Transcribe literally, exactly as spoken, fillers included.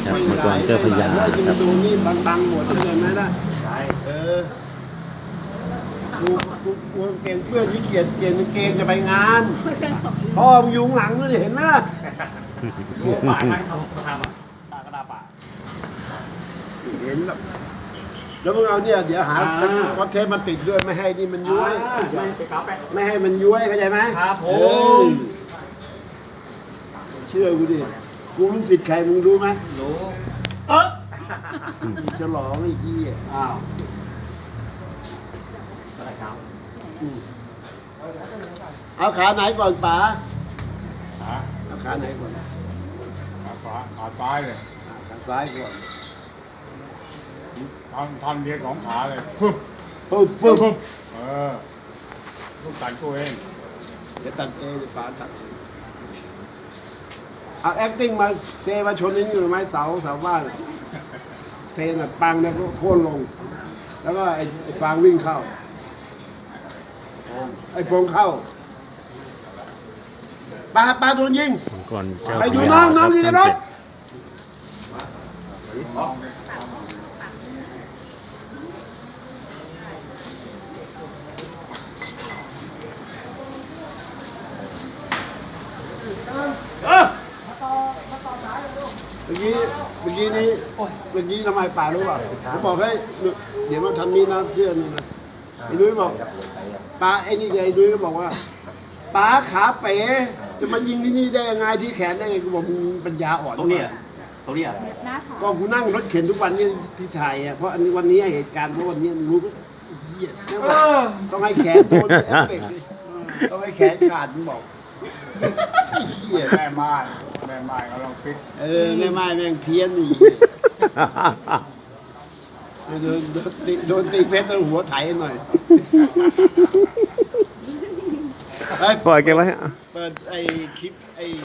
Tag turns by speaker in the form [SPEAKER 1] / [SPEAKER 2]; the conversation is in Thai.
[SPEAKER 1] ครับเมื่อก่อนเจอพญา
[SPEAKER 2] แล้ว
[SPEAKER 1] ค
[SPEAKER 2] ยิ
[SPEAKER 1] รั
[SPEAKER 2] ง
[SPEAKER 1] บ
[SPEAKER 2] ดูนี่บังๆหมดเลยไหมล่ะ
[SPEAKER 3] ใช่
[SPEAKER 2] เออกูกูกูเกงเพื่อนที่เกียจเกียจเกงจะไปงานพ่อมึงอยู่ข้างหลังนู่นเห็นไหมล่ะ
[SPEAKER 3] โอ้ป่าใครทำทำอ่ะป่ากระดาป่า
[SPEAKER 2] เห็นแบบแล้วมึงเอาเนี่ยเดี๋ยวหา
[SPEAKER 3] อ่า
[SPEAKER 2] คอนเทนต์มาติดด้วยไม่ให้นี่มันย้วย
[SPEAKER 3] ไม่
[SPEAKER 2] ไม่
[SPEAKER 3] ไปกราฟไป
[SPEAKER 2] ไม่ให้มันย้วยเข้าใจไหม
[SPEAKER 3] ครับผม
[SPEAKER 2] เออเชื่อกูดิกูลูกศิษย์ใครมึงรู้ไหม
[SPEAKER 3] รู้เออ
[SPEAKER 2] จะหลองไอ้ที่
[SPEAKER 3] อ้าวอะไรครับ
[SPEAKER 2] เอาขาไหนก่อนป๋า
[SPEAKER 4] ขา
[SPEAKER 2] เอาขาไหนก่อน
[SPEAKER 4] ขาขวาขาซ้ายเลย
[SPEAKER 2] ขาซ้ายก่อน
[SPEAKER 4] ท่อนท่อนเดียวของขาเลยปึ๊บ
[SPEAKER 2] ปุ๊บปุ๊บ
[SPEAKER 4] ปึ๊บเออลูกตัดตัวเอง
[SPEAKER 2] เดี๋ยวตัดเองเดี๋ยวป๋าตัดเองเอา acting มาเซมาชนนี่อยู่ไหมเสาเสาบ้านเทน่ะปังเนี่ยก็โค่นลง แล้วก็ไอ้ไอ้ฟางวิ่งเข้า ไอ้โพงเข้าปลาปลาโดนยิง
[SPEAKER 1] เมื่อก่อนเจอ
[SPEAKER 2] ไป
[SPEAKER 1] พ
[SPEAKER 2] ดู
[SPEAKER 1] ญา
[SPEAKER 2] น้อง
[SPEAKER 1] ค
[SPEAKER 2] น้อ
[SPEAKER 1] รั
[SPEAKER 2] ง
[SPEAKER 1] บ
[SPEAKER 2] อยู่ใน
[SPEAKER 1] ท่าน
[SPEAKER 2] รถ
[SPEAKER 1] เป็ด
[SPEAKER 2] เมื่อกี้เมื่อกี้นี้เมื่อกี้ทำไมป่ารู้ป่ะผมบอกให้เดี๋ยวมาทำนี้นะเสื้อนึงนะไอ้นุ้ยบอกป้าไอ้นี่ไอ้นุ้ยก็บอกว่าป้าขาเป๋จะมายิงที่นี่ได้ยังไงที่แขนได้ไงกูบอกมึงปัญญาอ่อน
[SPEAKER 3] ตรงนี้อ่ะตรงนี้อ่ะ
[SPEAKER 2] ก็กูนั่งรถเข็นทุกวันนี้ที่ไทยอ่ะเพราะอันนี้วันนี้เหตุการณ์เพราะวันนี้รู้ก็เหี้ยต้องให้แขนโดนเอฟเฟกต์ดิต้องให้แขนขาดมึงบอกไอ้เหี้ย
[SPEAKER 4] แม่ไม้แม่ไม้เขาลองฟิต
[SPEAKER 2] เออแม่ไม้แม่งเพี้ยนอีกโดนโดนตีโดนตีเพชรแล้วหัวไถหน่อยเฮ้ย
[SPEAKER 1] ปล่อยแกไว้
[SPEAKER 2] เปิดไอ้คลิปไอ้